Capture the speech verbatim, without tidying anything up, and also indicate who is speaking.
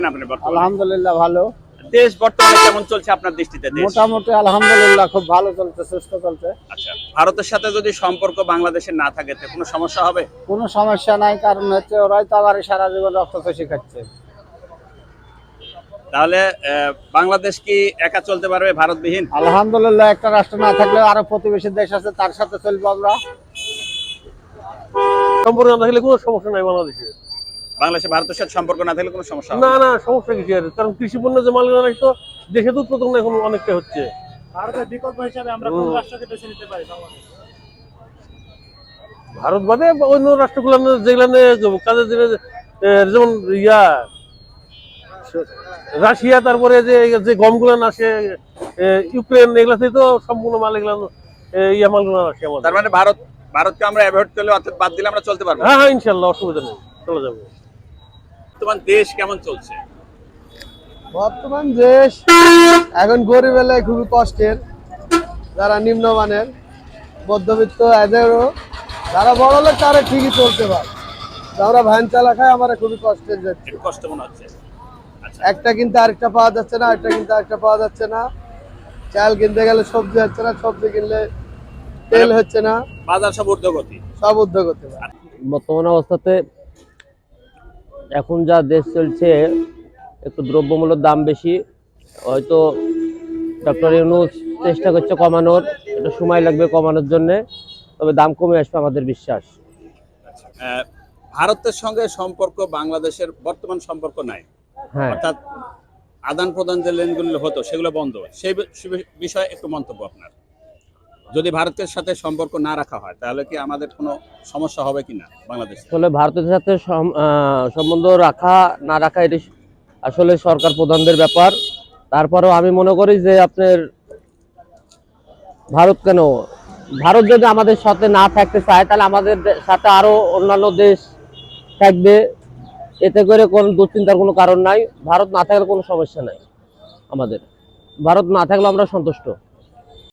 Speaker 1: আপনি বর্তমানে?
Speaker 2: আলহামদুলিল্লাহ ভালো।
Speaker 1: দেশ বর্তমানে কেমন চলছে আপনার দৃষ্টিতে? দেশ
Speaker 2: মোটামুটি আলহামদুলিল্লাহ খুব ভালো চলছে, সুস্থ চলছে।
Speaker 1: আচ্ছা, ভারতের সাথে যদি সম্পর্ক বাংলাদেশের না থাকে তো কোনো সমস্যা হবে?
Speaker 2: কোনো সমস্যা নাই, কারণ হচ্ছে ওরাই তো আবার সারা জীবন রক্ত চষে খাচ্ছে।
Speaker 1: তাহলে আহ, বাংলাদেশ কি একা চলতে পারবে ভারতবিহীন?
Speaker 2: আলহামদুলিল্লাহ, একটা রাষ্ট্র না থাকলেও আরো প্রতিবেশী দেশ আছে, তার সাথে চলবো আমরা।
Speaker 3: সম্পর্ক না থাকলে কোনো সমস্যা নাই বাংলাদেশে।
Speaker 1: বাংলাদেশে ভারতের সাথে সম্পর্ক না থাকলে কোনো সমস্যা হবে
Speaker 3: না
Speaker 1: না?
Speaker 3: না সমস্যা কিছু আর, কারণ কৃষি পণ্য যে মালিকানা তো দেশে তো উৎপাদন এখন অনেকটা হচ্ছে।
Speaker 4: ভারতের বিকল্প হিসাবে আমরা কোন রাষ্ট্রকে বেছে নিতে পারি?
Speaker 3: ভারত বাদে অন্য রাষ্ট্রগুলো যেগুলো কাজের দিনে যেমন ইয়া রাশিয়া, তারপরে যে যে গমগুলো আসে ইউক্রেন, এগুলাতে তো সম্পূর্ণ মাল এগুলো ইয়া মালগুলো আসে আমাদের।
Speaker 1: তার মানে ভারত ভারতকে আমরা অ্যাভয়েড করলে অর্থাৎ বাদ দিলে আমরা চলতে পারবো?
Speaker 3: হ্যাঁ হ্যাঁ ইনশাল্লাহ, অসুবিধা নেই, চলে যাবে।
Speaker 1: বর্তমান দেশ কেমন চলছে?
Speaker 2: বর্তমান দেশ এখন গরিব এলাকায় খুবই কষ্টের, যারা নিম্নমানের মধ্যবিত্ত এদেরও, যারা বড় লোক তারা ঠিকই চলতে পারে। আমরা ভ্যান চালা খাই, আমার খুবই কষ্টের যাচ্ছে।
Speaker 1: একটু কষ্ট মনে হচ্ছে। আচ্ছা,
Speaker 2: একটা কিনতে আরেকটা পাওয়া যাচ্ছে না, একটা কিনতে আরেকটা পাওয়া যাচ্ছে না। চাল কিনতে গেলে সবজি হচ্ছে না, সবজি কিনলে তেল হচ্ছে না,
Speaker 1: বাজার সব ঊর্ধ্বগতি।
Speaker 2: সব উদ্যোগ হতে পারে।
Speaker 5: বর্তমান অবস্থাতে এখন যা দেশ চলছে, একটু দ্রব্যমূল্যের দাম বেশি। হয়তো ডক্টর ইউনূস চেষ্টা করছে কমানোর, একটু সময় লাগবে কমানোর জন্যে, তবে দাম কমে আসবে আমাদের বিশ্বাস।
Speaker 1: আহ, ভারতের সঙ্গে সম্পর্ক বাংলাদেশের বর্তমান সম্পর্ক নাই,
Speaker 5: হ্যাঁ,
Speaker 1: অর্থাৎ আদান প্রদান যে লেনগুলো হতো সেগুলো বন্ধ। সেই বি- বিষয়ে একটু মন্তব্য আপনার। যদি ভারতের সাথে সম্পর্ক না রাখা হয় তাহলে কি আমাদের কোনো সমস্যা হবে কিনা বাংলাদেশে?
Speaker 5: আসলে ভারতের সাথে সম- আহ, সম্বন্ধ রাখা না রাখা এটি আসলে সরকার প্রধানদের ব্যাপার। তারপরেও আমি মনে করি যে আপনার ভারত কেন, ভারত যদি আমাদের সাথে না থাকতে চায় তাহলে আমাদের দে- সাথে আরো অন্যান্য দেশ থাকবে, এতে করে কোনো দুশ্চিন্তার কোনো কারণ নাই। ভারত না থাকলে কোনো সমস্যা নাই আমাদের, ভারত না থাকলে আমরা সন্তুষ্ট।